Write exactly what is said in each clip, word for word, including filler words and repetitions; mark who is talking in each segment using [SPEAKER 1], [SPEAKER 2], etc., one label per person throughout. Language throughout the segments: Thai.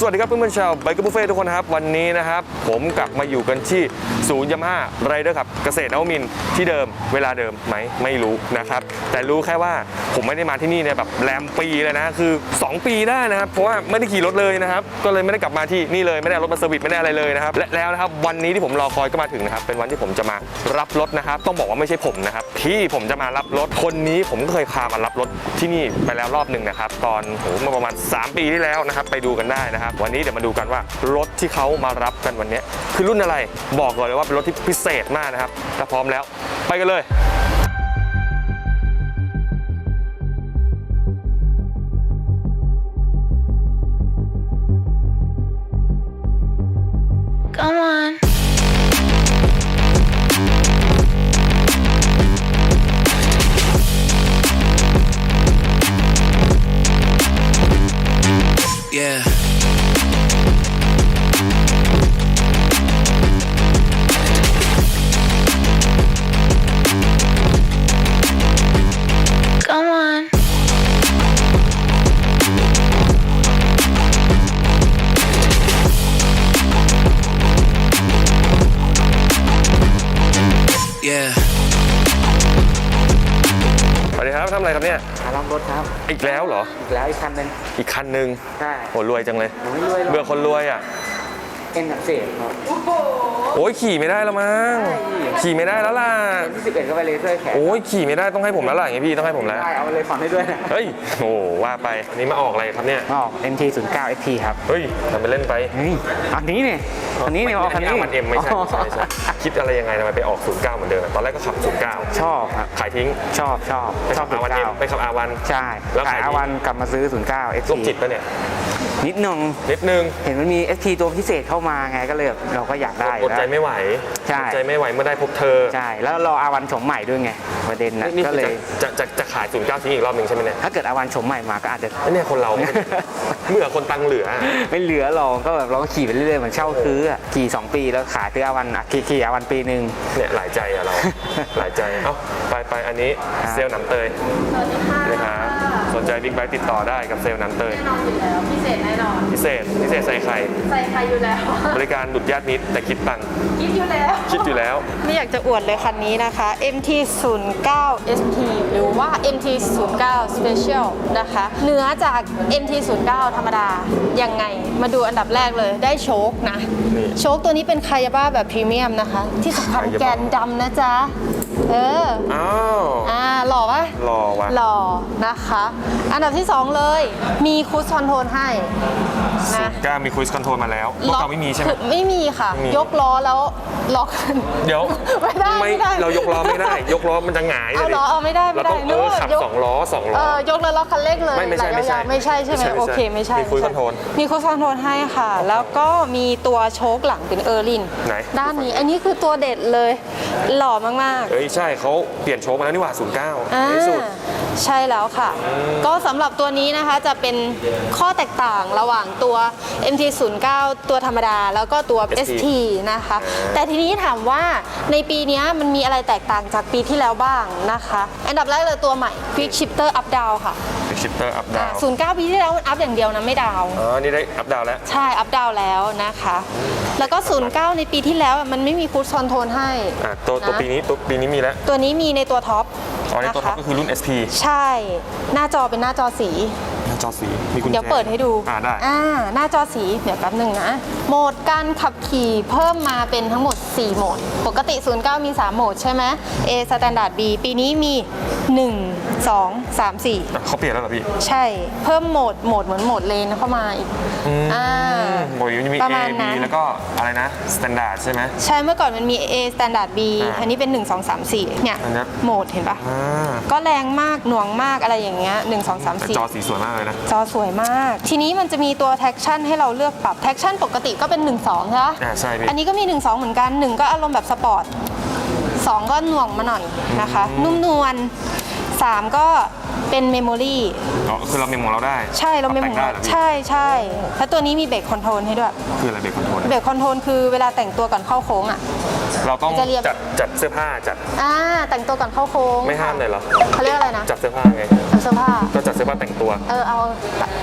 [SPEAKER 1] สวัสดีครับเพื่อนๆชาวไบเกอร์บุฟเฟ่ทุกคนนะครับวันนี้นะครับผมกลับมาอยู่กันที่ศูนย์ยามาฮ่าไรเดอร์ครับเกษตรนวมินทร์ที่เดิมเวลาเดิมไหมไม่รู้นะครับแต่รู้แค่ว่าผมไม่ได้มาที่นี่เนี่ยแบบแรมปีเลยนะคือสองปีได้นะครับเพราะว่าไม่ได้ขี่รถเลยนะครับก็เลยไม่ได้กลับมาที่นี่เลยไม่ได้รถมาเซอร์วิสไม่ได้อะไรเลยนะครับและแล้วนะครับวันนี้ที่ผมรอคอยก็มาถึงนะครับเป็นวันที่ผมจะมารับรถนะครับต้องบอกว่าไม่ใช่ผมนะครับที่ผมจะมารับรถคนนี้ผมก็เคยพามารับรถที่นี่ไปแล้วรอบหนึ่งนะครับตอนโหเมื่อประมาณสามปีที่แล้วนะครับไปดูกันได้นะครับวันนี้เดี๋ยวมาดูกันว่ารถที่เขามารับกันวันนี้คือรุ่นอะไรบอกก่อนเลยว่าเป็นรถที่พิเศษมากนะครับถ้าพร้อมแล้วไปกันเลย
[SPEAKER 2] Come on.
[SPEAKER 3] Yeah.
[SPEAKER 2] Come on.
[SPEAKER 3] Yeah.
[SPEAKER 1] สวัสดีครับทำอะไรครับเนี่ย
[SPEAKER 4] มารับรถครับ
[SPEAKER 1] อีกแล้วเหรอ
[SPEAKER 4] อีกแล้วอีกคันหนึง
[SPEAKER 1] อีกคันหนึ่ง
[SPEAKER 4] ใช่
[SPEAKER 1] โหรวยจังเลย
[SPEAKER 4] ผมไม่รวยหรอก
[SPEAKER 1] เบื่อคนรวยอ่ะ
[SPEAKER 4] เอ็นอักเสบครับ
[SPEAKER 1] โอ้ยขี่ไม่ได้แล้วมั้งขี่ไม่ได้แล้วล่ะ
[SPEAKER 4] เอ็นที่สิบเอ็ดก็ไปเลเซอร์แขน
[SPEAKER 1] โอ้ยขี่ไม่ได้ต้องให้ผมแล้วล่ะอย่างงี้พี่ต้องให้ผมแล้ว
[SPEAKER 4] ได้เอาไปเลยผ่อนให้ด้วยนะ
[SPEAKER 1] เฮ้ยโอ้ว่าไปอันนี้มาออกอะไรครับเนี่ย
[SPEAKER 4] ออก เอ็ม ที ศูนย์เก้า เอส ที ครับ
[SPEAKER 1] เฮ้ยทำไปเล่นไป
[SPEAKER 4] เฮ้ยอันนี้เนี่ยอันนี้เนี่ยออกคันนี้
[SPEAKER 1] มันเอ็มไม่ใช่ไม่ใช่ไม่ใช่คิดอะไรยังไงทำไมไปออกศูนย์เก้าเหมือนเดิมตอนแรกก็ขับศูนย์เก้า
[SPEAKER 4] ชอบครับ
[SPEAKER 1] ขายทิ้ง
[SPEAKER 4] ชอบชอบ
[SPEAKER 1] ไป
[SPEAKER 4] ช
[SPEAKER 1] ขั
[SPEAKER 4] อ
[SPEAKER 1] บบ อา
[SPEAKER 4] ศู
[SPEAKER 1] วัน
[SPEAKER 4] นย์
[SPEAKER 1] เอ็ม
[SPEAKER 4] เก้า
[SPEAKER 1] ไปขับอาวัน
[SPEAKER 4] ใช่
[SPEAKER 1] แล้ว
[SPEAKER 4] ขา
[SPEAKER 1] ขาย ย
[SPEAKER 4] อาวันกลับมาซื้อ ศูนย์เก้า เอส ที
[SPEAKER 1] โรคจิตปะเนี่ย
[SPEAKER 4] นิดนึง
[SPEAKER 1] นิดนึง
[SPEAKER 4] เห็นมันมี เอส ที ตัวพิเศษเข้ามาไงก็เลยแบบเราก็อยากได้
[SPEAKER 1] อดใจ
[SPEAKER 4] แล้ว
[SPEAKER 1] ไม่ไหว
[SPEAKER 4] ใช่
[SPEAKER 1] อดใจไม่ไหวเมื่อได้พบเธอ
[SPEAKER 4] ใช่แล้วรออาวันโฉมใหม่ด้วยไงประเด็นนะ
[SPEAKER 1] นี่
[SPEAKER 4] ก็
[SPEAKER 1] คือ
[SPEAKER 4] เลย
[SPEAKER 1] จะจะจะจะขายศูนย์เก้าทิ้งอีกรอบหนึ่งใช่ไหมเนี่ย
[SPEAKER 4] ถ้าเกิดอาวันโฉมใหม่มาก็อาจจะ
[SPEAKER 1] ไอ้เนี่ยคนเรา เมื่อคนตังเหลือ
[SPEAKER 4] ไม่เหลือหรอกก็แบบเราก็ขี่ไปเรื่อยๆเหมือนเช่าซื้ออะขี่สองปีแล้วขายซื้ออาวันอ่ะขี่ขี่อาวันปีหนึ่ง
[SPEAKER 1] เนี่ยหลายใจอะเรา หลายใจเอ้าไปไปอันนี้
[SPEAKER 4] ครับ
[SPEAKER 1] เซลล์หนำเตย
[SPEAKER 5] สวัสดีค่ะ
[SPEAKER 1] นะครับสนใจบิ๊กไบค์ติดต่อได้กับเซลล์หนำเตย
[SPEAKER 5] แน่นอนอยู่แล้วพิเศษแน่นอน
[SPEAKER 1] พิเศษพิเศษใส่ไข่
[SPEAKER 5] ใส่ใครอยู่แล้ว
[SPEAKER 1] บริการดุดญาติมิตรแต่คิดตังค์
[SPEAKER 5] คิดอยู่แล้ว
[SPEAKER 1] คิดอยู่แล้ว
[SPEAKER 5] ไม่อยากจะอวดเลยคันนี้นะคะ เอ็ม ที ศูนย์เก้า เอส ที หรือว่า เอ็ม ที ศูนย์เก้า Special นะคะเหนือจาก เอ็ม ที ศูนย์เก้า ธรรมดายังไงมาดูอันดับแรกเลยได้โชคนะ
[SPEAKER 1] นี่
[SPEAKER 5] โชคตัวนี้เป็นคายาบ้าแบบพรีเมียมนะคะ ที่สำคัญ
[SPEAKER 1] Kayaba
[SPEAKER 5] แกนดำนะจ๊ะ เออ
[SPEAKER 1] อ้าว
[SPEAKER 5] อ่าหล่อปะ
[SPEAKER 1] รอวะ
[SPEAKER 5] หล่อนะคะ อันดับที่สองเลยมีคูสคอนโทรลให้นะ
[SPEAKER 1] ก้ามีคุยคอนโทรลมาแล้วเมื่อก่อนไม่มีใช่ไหม
[SPEAKER 5] คือไม่มีค่ะ
[SPEAKER 1] ไม่มี
[SPEAKER 5] ยกล้อแล้วล็อก
[SPEAKER 1] เดี๋ยว
[SPEAKER 5] ไม่ได้ไม่ได้
[SPEAKER 1] เรายกล้อไม่ได้ ยกล้อมันจะหงาย
[SPEAKER 5] เอา
[SPEAKER 1] ลย
[SPEAKER 5] เหรอเอาไม่ได้ไม่
[SPEAKER 1] เรา
[SPEAKER 5] ได้
[SPEAKER 1] ต้องเออขับ
[SPEAKER 5] ยก
[SPEAKER 1] สองล้อสองล้
[SPEAKER 5] เอ
[SPEAKER 1] อ
[SPEAKER 5] อยกแล้วล็อกคันเร่งเลย
[SPEAKER 1] ไม่ไม่ใช่
[SPEAKER 5] หลายยาวๆไม่ใช่ใช่ไหม
[SPEAKER 1] ไม่ใช่
[SPEAKER 5] โอเคไม่ใช่
[SPEAKER 1] มี cruise
[SPEAKER 5] ไใช่
[SPEAKER 1] control
[SPEAKER 5] มีคูสคอนโทรลให้ค่ะ แล้วก็มีตัวโชคหลังเป็นเออร์ลิน
[SPEAKER 1] ไหน
[SPEAKER 5] ด้านนี้อันนี้คือตัวเด็ดเลย หล่อมากๆ
[SPEAKER 1] เอ้ยใช่เขาเปลี่ยนโชคมาแล้วนี่หว่าศูนย์เก้า
[SPEAKER 5] อ่า
[SPEAKER 1] ในที่สุด
[SPEAKER 5] ใช่แล้วค่ะ ก็สำหรับตัวนี้นะคะจะเป็นข้อแตกต่างระหว่างตัว เอ็ม ที ศูนย์เก้า ตัวธรรมดา แล้วก็ตัว เอส ที นะคะ แต่ทีนี้ถามว่าในปีนี้มันมีอะไรแตกต่างจากปีที่แล้วบ้างนะคะ อันดับแรกเลยตัวใหม่ Quick Shifter Up Down ค่ะ
[SPEAKER 1] ชิปเตอร์อัพดาว
[SPEAKER 5] ศูนย์เก้า ปีที่แล้วมันอัพอย่างเดียวนะไม่ดาว
[SPEAKER 1] อ๋อนี่ได้อัพดาวแล้ว
[SPEAKER 5] ใช่ อัพดาวแล้วนะคะ แล้วก็ ศูนย์เก้า ในปีที่แล้วมันไม่มีคูดคอนโทรลให้
[SPEAKER 1] อ่ะตัวตัว
[SPEAKER 5] นะ
[SPEAKER 1] ปีนี้ตัวปีนี้มีแล้ว
[SPEAKER 5] ตัวนี้มีในตัวท็อป
[SPEAKER 1] อ๋อในตัวท็อป
[SPEAKER 5] นะคะ
[SPEAKER 1] ก็คือรุ่น เอส พี
[SPEAKER 5] ใช่ หน้าจอเป็นหน้าจอสี
[SPEAKER 1] หน้าจอสีมีกุญแจ
[SPEAKER 5] เดี๋ยวเปิดให้ดู
[SPEAKER 1] อ่าได้
[SPEAKER 5] อ่า หน้าจอสี เดี๋ยวแป๊บหนึ่งนะ โหมดการขับขี่เพิ่มมาเป็นทั้งหมด สี่ โหมด ปกติ ศูนย์เก้า มี สาม โหมดใช่ไหม A Standard B ปีนี้มี หนึ่ง สอง สาม สี่
[SPEAKER 1] อ่ะเขาเปลี่ยนแล้วเหรอพี่
[SPEAKER 5] ใช่ เพิ่มโหมด โหมดเหมือนโหมดเลนเข้ามาอีก อ่า
[SPEAKER 1] โมยมันจะมี
[SPEAKER 5] ประ
[SPEAKER 1] A
[SPEAKER 5] มาณ
[SPEAKER 1] B
[SPEAKER 5] นั้น
[SPEAKER 1] แล้วก็อะไรนะ Standard ใช่ไหม
[SPEAKER 5] ใช่ เมื่อก่อนมันมี A Standard B
[SPEAKER 1] อ่า
[SPEAKER 5] อันนี้เป็น หนึ่ง สอง สาม สี่ เนี่ย
[SPEAKER 1] อันนี้
[SPEAKER 5] โหมดเห็นปะ
[SPEAKER 1] อ่า
[SPEAKER 5] ก็แรงมาก หน่วงมาก อะไรอย่างเงี้ย หนึ่ง สอง สาม
[SPEAKER 1] แต่
[SPEAKER 5] สี่
[SPEAKER 1] จอสีสวยมากเลยนะ
[SPEAKER 5] จอสวยมาก ทีนี้มันจะมีตัว traction ให้เราเลือกปรับ traction ปกติก็เป็น หนึ่ง สอง ใช่ไหม
[SPEAKER 1] อ่าใช่พี่
[SPEAKER 5] อันนี้ก็มี หนึ่ง สอง เหมือนกัน หนึ่ง ก็อารมณ์แบบสปอร์ต สอง ก็หน่วงมาหน่อยนะคะ นุ่มนวล สาม ก็เป็นเมมโมรี
[SPEAKER 1] อ๋อคือเราเมมของเราได้
[SPEAKER 5] ใช่เราเมม
[SPEAKER 1] ป
[SPEAKER 5] ข
[SPEAKER 1] รับ
[SPEAKER 5] อง
[SPEAKER 1] แต่งได้
[SPEAKER 5] เรา
[SPEAKER 1] เหรอพี่
[SPEAKER 5] ใช่ใช่แล้วตัวนี้มีเบรกคอนโทรลให้ด้วย
[SPEAKER 1] คืออะไรเบรกคอนโทรล
[SPEAKER 5] เบรกคอนโทรลคือเวลาแต่งตัวก่อนเข้าโค้งอ่ะ
[SPEAKER 1] เราต้อง
[SPEAKER 5] จะเรียบ
[SPEAKER 1] จัดจัดเสื้อผ้าจัด
[SPEAKER 5] อ่า แต่งตัวก่อนเข้าโค้ง
[SPEAKER 1] ไม่ห้ามเลยเหรอ
[SPEAKER 5] เขาเรียกอะไรนะ
[SPEAKER 1] จัดเสื้อผ้าไง
[SPEAKER 5] เสื้อผ้า
[SPEAKER 1] ก็จัดเสื้อผ้าแต่งตัว
[SPEAKER 5] เออเอา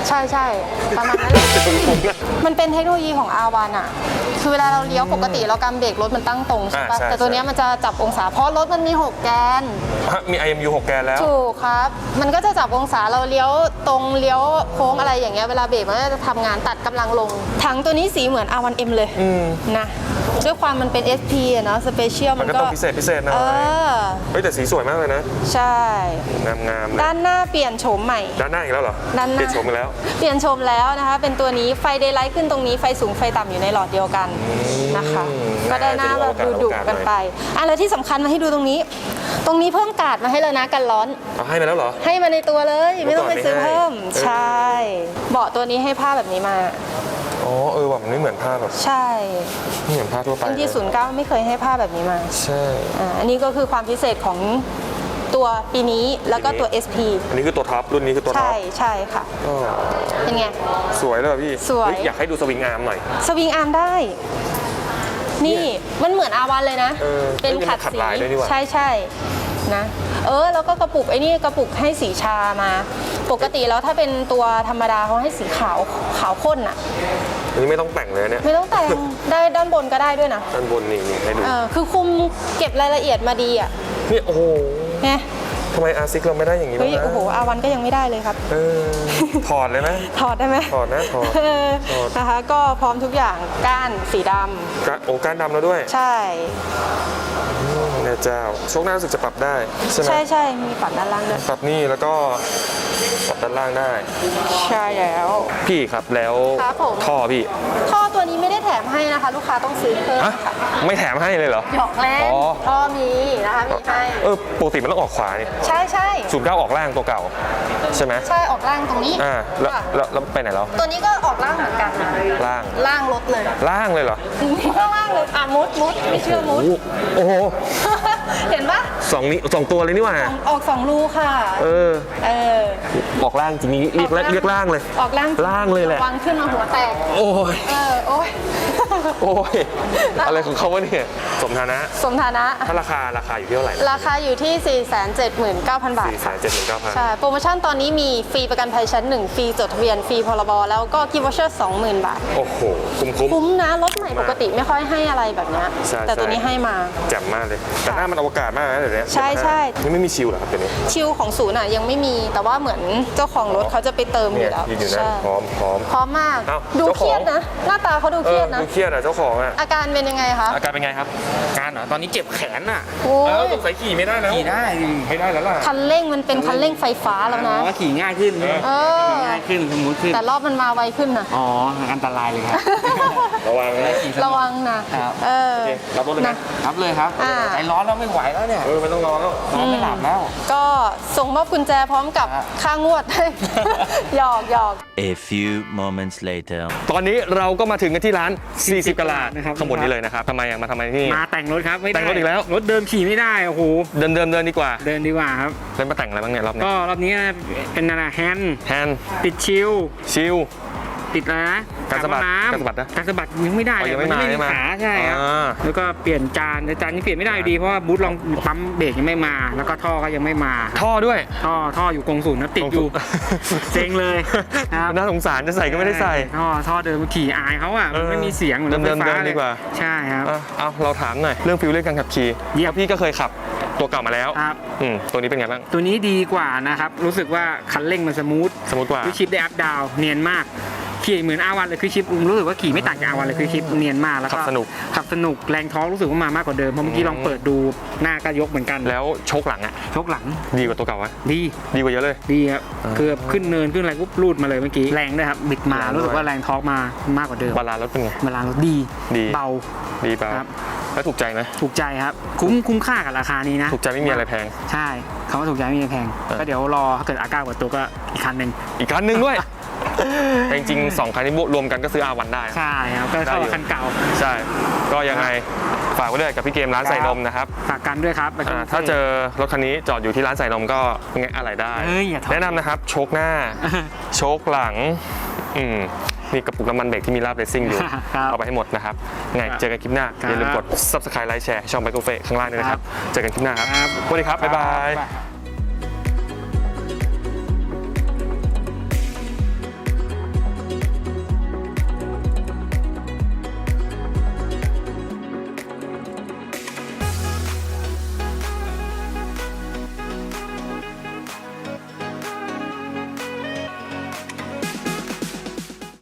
[SPEAKER 5] ใช่ใช่ประมาณนั้นเลยมันเป็นเทคโนโลยีของ อาร์ วัน อ่ะคือเวลาเราเลี้ยวปกติเรากำเบรกรถมันตั้งตรงใช่ปะ
[SPEAKER 1] อ่าใช่
[SPEAKER 5] แต่ตัวเนี้ยมันจะจับองศาเพราะรถมันมีหกแกน
[SPEAKER 1] ฮะมี ไอ เอ็ม ยู หกแกนแล้ว
[SPEAKER 5] ถูกครับ มันก็จะจับองศาเราเลี้ยวตรงเลี้ยวโค้งอะไรอย่างเงี้ยเวลาเบรกมันก็จะทำงานตัดกำลังลงถังตัวนี้สีเหมือน อาร์ วัน เอ็ม เลยนะด้วยความมันเป็น เอส พี อะเนาะสเปเชียล
[SPEAKER 1] มั
[SPEAKER 5] มัน น
[SPEAKER 1] ก็
[SPEAKER 5] ก็
[SPEAKER 1] ต้องพิเศษพิเศษหน่อย
[SPEAKER 5] เออ
[SPEAKER 1] เฮ้ยแต่สีสวยมากเลยนะ
[SPEAKER 5] ใช่
[SPEAKER 1] งามงามๆเลย
[SPEAKER 5] ด้านหน้าเปลี่ยนโฉมใหม่
[SPEAKER 1] ด้านหน้าอีกแล้วเหรอ
[SPEAKER 5] ด้านหน้า
[SPEAKER 1] เปลี่ยนโฉมอีกแล้ว
[SPEAKER 5] เปลี่ยนโฉมแล้วนะคะ เป็นตัวนี้ไฟเดย์ไลท์ขึ้นตรงนี้ไฟสูงไฟต่ำอยู่ในหลอดเดียวกันนะคะ ก็ได้หน้าแบบดุดุๆกันไปอ่ะแล้วที่สำคัญมาให้ดูตรงนี้ ตรงนี้เพิ่มการ์ดมาให้แล้วนะกันร้อน
[SPEAKER 1] เอาให้มาแล้วเหรอ
[SPEAKER 5] ให้มาในตัวเลยไม่ต้องไปซื้อเพิ่ม
[SPEAKER 1] เมื่อก่อนไม่ให้
[SPEAKER 5] ใช่เบาะตัวนี้ให้ผ้าแบบนี้มา
[SPEAKER 1] อ๋อเออว่ะมันไม่เหมือนผ้าแบบ
[SPEAKER 5] ใช่
[SPEAKER 1] ไม่เหมือนผ้าทั่วไป
[SPEAKER 5] อันที่ศูนย์เก้าไม่เคยให้ผ้าแบบนี้มา
[SPEAKER 1] ใช่
[SPEAKER 5] อ่าอันนี้ก็คือความพิเศษของตัวปีนี้แล้วก็ตัว เอส พี
[SPEAKER 1] อันนี้คือตัวท็อปรุ่นนี้คือตัวท็
[SPEAKER 5] ใช่
[SPEAKER 1] อป
[SPEAKER 5] ใช่ค่ะ
[SPEAKER 1] ก็
[SPEAKER 5] เป็นไง
[SPEAKER 1] สวยเลยว่ะพี่
[SPEAKER 5] สวย
[SPEAKER 1] เฮ้อยากให้ดูสวิงอาร์มหน่อย
[SPEAKER 5] สวิงอาร์มได้ นี่มันเหมือน อาร์ วัน เลยนะ
[SPEAKER 1] เออ
[SPEAKER 5] เป็น
[SPEAKER 1] เอ้ย
[SPEAKER 5] ขัด
[SPEAKER 1] มันขัด
[SPEAKER 5] สี
[SPEAKER 1] ลายด้วยนี่หว่า
[SPEAKER 5] ใช่ใช่นะ เออ แล้วก็กระปุกไอ้นี่กระปุกให้สีชามา ปกติแล้วถ้าเป็นตัวธรรมดาเขาให้สีขาวขาวข้นอะ
[SPEAKER 1] อันนี้ไม่ต้องแต่งเลยเนี่ย
[SPEAKER 5] ไม่ต้องแต่ง ได้ด้านบนก็ได้ด้วยนะ
[SPEAKER 1] ด้านบนนี่นี่ให้ดู
[SPEAKER 5] เออคือคุมเก็บรายละเอียดมาดีอะ
[SPEAKER 1] นี่โอ้โห
[SPEAKER 5] ไง
[SPEAKER 1] ทำไมอาร์ซิกเราไม่ได้อย่างนี้บ้า
[SPEAKER 5] เฮ้ย
[SPEAKER 1] งนะ
[SPEAKER 5] โอ้โห อาร์ วัน ก็ยังไม่ได้เลยครับ
[SPEAKER 1] เออถอดเลยนะ
[SPEAKER 5] ถอดได้ไหม
[SPEAKER 1] ถอดนะถอด
[SPEAKER 5] เออ
[SPEAKER 1] ถอด
[SPEAKER 5] นะคะ ก็พร้อมทุกอย่างก้านสีด
[SPEAKER 1] กะโอ้ก้านดำแล้วด้วย
[SPEAKER 5] ำใช่
[SPEAKER 1] แม่เจ้าโชคหน้ารู้สึกจะปรับได้ใช่ไหม
[SPEAKER 5] ใช่ใช่มีปรับด้านล่างด้วย
[SPEAKER 1] ปรับนี่แล้วก็ปรับด้านล่างได้
[SPEAKER 5] ใช่แล้ว
[SPEAKER 1] พี่ครับแล้ว
[SPEAKER 5] ครับผม
[SPEAKER 1] ท่อพี่
[SPEAKER 5] ท่อตัวนี้ไม่ได้แถมให้นะคะ ลูกค้าต้องซื้อเพิ่ม
[SPEAKER 1] ฮะ
[SPEAKER 5] ค่ะ
[SPEAKER 1] ไม่แถมให้เลยเหรอ
[SPEAKER 5] หยอกเล่น
[SPEAKER 1] อ๋อ
[SPEAKER 5] ท่อมีนะคะมีให้
[SPEAKER 1] เออปกติมันต้องออกขวานี่
[SPEAKER 5] ใช่ใช่
[SPEAKER 1] ศูนย์เก้าออกล่างตัวเก่าใช่ไหม
[SPEAKER 5] ใช่ออกล่างตรงนี้
[SPEAKER 1] อ่าแล้ว
[SPEAKER 5] ค่ะ
[SPEAKER 1] แล้วแล้วไปไหนแล้ว
[SPEAKER 5] ตัวนี้ก็ออกล่างเหมือนกันนะ
[SPEAKER 1] ล่าง
[SPEAKER 5] ล่างรถเลย
[SPEAKER 1] ล่างเลยเหรอ
[SPEAKER 5] ข้างล่างเลยอ่ะมุดมุดไม่เชื่อมุด
[SPEAKER 1] โอ้โห
[SPEAKER 5] เห็นปะ
[SPEAKER 1] สองนี้สองตัวเลยนี่หว่า
[SPEAKER 5] ออกสองรูค่ะ
[SPEAKER 1] เออ
[SPEAKER 5] เออ
[SPEAKER 1] ออกล่างจริงๆเรียก
[SPEAKER 5] ออกล่าง
[SPEAKER 1] เรียกล่างเลย
[SPEAKER 5] ออกล่าง
[SPEAKER 1] ล่างเลยแหละ
[SPEAKER 5] วางขึ้นมาหัวแตก
[SPEAKER 1] โอ้ย
[SPEAKER 5] เออโอ้ย
[SPEAKER 1] โอ้ยอะไรของเขาวะเนี่ยสมฐานะ
[SPEAKER 5] สมฐานะ
[SPEAKER 1] ถ้าราคาราคาอยู่ที่เท่าไหร่
[SPEAKER 5] ราคาอยู่ที่ สี่แสนเจ็ดหมื่นเก้าพัน บาท
[SPEAKER 1] สี่แสนเจ็ดหมื่นเก้าพัน
[SPEAKER 5] ใช่ โปรโมชั่นตอนนี้มีฟรีประกันภัยชั้นหนึ่งฟรีจดทะเบียน ฟรีพรบ แล้วก็กิฟต์วอเชอร์สองหมื่นบาท
[SPEAKER 1] โอ้โห คุ้มคุ้ม
[SPEAKER 5] คุ้มนะ รถใหม่ปกติไม่ค่อยให้อะไรแบบเนี้ย
[SPEAKER 1] ใช่
[SPEAKER 5] แต่ตัวนี้ให้มา
[SPEAKER 1] แจ่มมากเลย แต่หน้ามันอวกาศมากนะเดี๋ยวนี้
[SPEAKER 5] ใช่ใช่
[SPEAKER 1] นี่ไม่มีชิลเหรอครับเดี๋ยวนี้
[SPEAKER 5] ชิลของศูนย์อ่ะยังไม่มี แต่ว่าเหมือนเจ้าของรถเขาจะไปเติมอ
[SPEAKER 1] เนี่ย
[SPEAKER 5] ยู่แล้ว
[SPEAKER 1] ยืนอยู่นั่น
[SPEAKER 5] ใช่
[SPEAKER 1] พร้อมพร้อม
[SPEAKER 5] พร้อมมาก
[SPEAKER 1] เอ้า
[SPEAKER 5] ดู
[SPEAKER 1] เจ้า
[SPEAKER 5] เค
[SPEAKER 1] ของ
[SPEAKER 5] รียดนะ หน้าตาเขาดู
[SPEAKER 1] เอ
[SPEAKER 5] เครี
[SPEAKER 1] อย
[SPEAKER 5] ดนะ
[SPEAKER 1] ดูเครียดอ่ะเจ้าของอ่ะ
[SPEAKER 5] อาการเป็นยังไงคะ
[SPEAKER 1] อาการเป็นไงครับ
[SPEAKER 4] การเหรอตอนนี้เจ็บแขนอ่ะ
[SPEAKER 5] โอ้
[SPEAKER 1] เออย สงสัยขี่ไม่ได้แล้ว
[SPEAKER 4] ขี่ได้
[SPEAKER 1] ไม่ได้แล้วล่ะ
[SPEAKER 5] คันเร่งมันเป็นคันเร่งไฟฟ้าแล้วนะ
[SPEAKER 4] อ๋อขี่ง่ายขึ้น
[SPEAKER 5] เออ
[SPEAKER 4] ขี่ง่ายขึ้นสมูทขึ้น
[SPEAKER 5] แต่รอบมันมาไวขึ้นนะ
[SPEAKER 4] อ๋ออันตรายเลยครับ
[SPEAKER 1] ระวังนะ
[SPEAKER 5] ระวังนะครับ เออ
[SPEAKER 1] โอเครับรถเลยไหม
[SPEAKER 4] รับเลยครับ
[SPEAKER 5] อ่า
[SPEAKER 4] ใจร้อนแล้วไม่ไหวแล้วเนี่ย
[SPEAKER 1] เออไม่ต้องรอแล้ว
[SPEAKER 4] นอนไม่หลับแล้ว
[SPEAKER 5] ก็ส่งมอบกุญแจพร้อมกับ
[SPEAKER 4] ครับ
[SPEAKER 5] ค่างวด ให้ หยอกหยอก
[SPEAKER 6] A few moments later.
[SPEAKER 1] ตอนนี้เราก็มาถึงกันที่ร้าน สี่สิบ กะลาด
[SPEAKER 4] นะครับ
[SPEAKER 1] ข้างบนนี้เลยนะครับทำไมอ่ะมาทำไมที่นี่
[SPEAKER 4] มาแต่งรถครับไม่ได้
[SPEAKER 1] แต่งรถอีกแล้ว
[SPEAKER 4] รถเดิมขี่ไม่ได้โอ้โห
[SPEAKER 1] เดินเดินเดินดีกว่า
[SPEAKER 4] เดินดีกว่าครับ
[SPEAKER 1] เล่นมาแต่งอะไรบ้างเนี่ยรอบนี้
[SPEAKER 4] ก็รอบนี้เป็นอะไรแฮนด์
[SPEAKER 1] แฮนด์
[SPEAKER 4] ติดชิล
[SPEAKER 1] ชิล
[SPEAKER 4] ติดอะไรนะ
[SPEAKER 1] การสะบัด
[SPEAKER 4] น้ำ
[SPEAKER 1] การสะบัดนะ
[SPEAKER 4] การสะบัดยังไม่ได้
[SPEAKER 1] อ๋อยังไม่
[SPEAKER 4] น
[SPEAKER 1] มาใช่ไหม
[SPEAKER 4] ขาใช่ครับ
[SPEAKER 1] อ่า
[SPEAKER 4] แล้วก็เปลี่ยนจานแต่จานนี้เปลี่ยนไม่ได้อยู่ดีเพราะว่าบูธลองปั๊มเบรกยังไม่มา แล้วก็ท่อก็ยังไม่มา
[SPEAKER 1] ท่อด้วย
[SPEAKER 4] ท่อท่ออยู่กงศูนย์นะติดอยู่ เซ็งเลยครับ
[SPEAKER 1] น่าสงสารจะใส่ก็ไม่ได้ใส่
[SPEAKER 4] ท่อท่อเดิมขี่อายเขาอ่ะมันไม่มีเสียงหมือนรถไฟฟ้า
[SPEAKER 1] เดิมๆ
[SPEAKER 4] เลย
[SPEAKER 1] ดีกว่า
[SPEAKER 4] ใช่ครับ
[SPEAKER 1] อ่ะเอาเราถามหน่อยเรื่องฟิลลิ่งการขับขี่
[SPEAKER 4] เยี่ยม
[SPEAKER 1] เพราะพี่ก็เคยขับตัวเก่ามาแล้ว
[SPEAKER 4] ครับ
[SPEAKER 1] อืมตัวนี้เป็นไงบ้าง
[SPEAKER 4] ตัวนี้ดีกว่านะครับ รู้สึกว่าคันเร่งมันสมูท
[SPEAKER 1] สมมติว่า
[SPEAKER 4] คือชิปได้อัพดาวเนียนมากขี่เหมือนอาวันเลยคือชิปรู้สึกว่าขี่ไม่ต่างจากอาวันเลยคือชิปเนียนมากแล้วก็
[SPEAKER 1] ขับสนุก
[SPEAKER 4] ขับสนุกแรงท้องรู้สึกว่ามามากกว่าเดิมเพราะเมื่อกี้ลองเปิดดูหน้าก็ยกเหมือนกัน
[SPEAKER 1] แล้วโชคหลังอ่ะ
[SPEAKER 4] ชกหลัง
[SPEAKER 1] ดีกว่าตัวเก่าวะ
[SPEAKER 4] ดี
[SPEAKER 1] ดีกว่าเยอะเลย
[SPEAKER 4] ดีครับคือขึ้นเนินขึ้นอะไรปุ๊บรูดมาเลยเมื่อกี้แรงด้วยครับบิดมา
[SPEAKER 1] แรงด้วย
[SPEAKER 4] รู้สึกว่าแรงท้องมามากกว่าเดิม
[SPEAKER 1] บาลานซ์รถเป็นไง
[SPEAKER 4] เวลารถดี
[SPEAKER 1] ดี
[SPEAKER 4] เบา
[SPEAKER 1] ดีเปล่า
[SPEAKER 4] ครับ
[SPEAKER 1] แล้วถูกใจไหม
[SPEAKER 4] ถูกใจครับคุ้มคุ้มค่ากับราคานี้นะ
[SPEAKER 1] ถูกใจไม่มีอะไรแพง
[SPEAKER 4] ใช่คำว่าถูกใจไม่มีอะไรแพง
[SPEAKER 1] เออ
[SPEAKER 4] ก็เดี๋ยวรอถ้าเกิดอาก้าเปิดตัวก็อีกคันหนึ่ง
[SPEAKER 1] อีกคันหนึ่งด้วย แต่จริงๆสองคันนี้รวมกันก็ซื้อ อาร์ วัน ได้
[SPEAKER 4] ใช่ครับก็เท่ากับคันเก่า
[SPEAKER 1] ใช่ ก็ยังไงฝากไว้ด้วยกับพี่เกมร้านใส่นมนะครับ
[SPEAKER 4] ฝากกันด้วยครับ
[SPEAKER 1] อ่าถ้าเจอรถคันนี้จอดอยู่ที่ร้านใส่นมก็ไงอะไรได้
[SPEAKER 4] เอ้ยอย่าทำ
[SPEAKER 1] แนะนำนะครับโชคหน้า โชคหลังอืมนี่กระปุกน้ำมันเบรกที่มีลาบเรซิ่งอยู่
[SPEAKER 4] ครับ
[SPEAKER 1] เอาไปให้หมดนะครับไง
[SPEAKER 4] ครับ
[SPEAKER 1] เจอกันคลิปหน้า
[SPEAKER 4] ครับ
[SPEAKER 1] อย่าลืมกด ซับสไครบ์ ไลค์ แชร์ช่องไบโคเฟข้างล่างด้วยนะครับ เจอกันคลิปหน้าครับ
[SPEAKER 4] ครับ
[SPEAKER 1] สวัสดีครับ บ๊ายบาย
[SPEAKER 4] บ๊ายบาย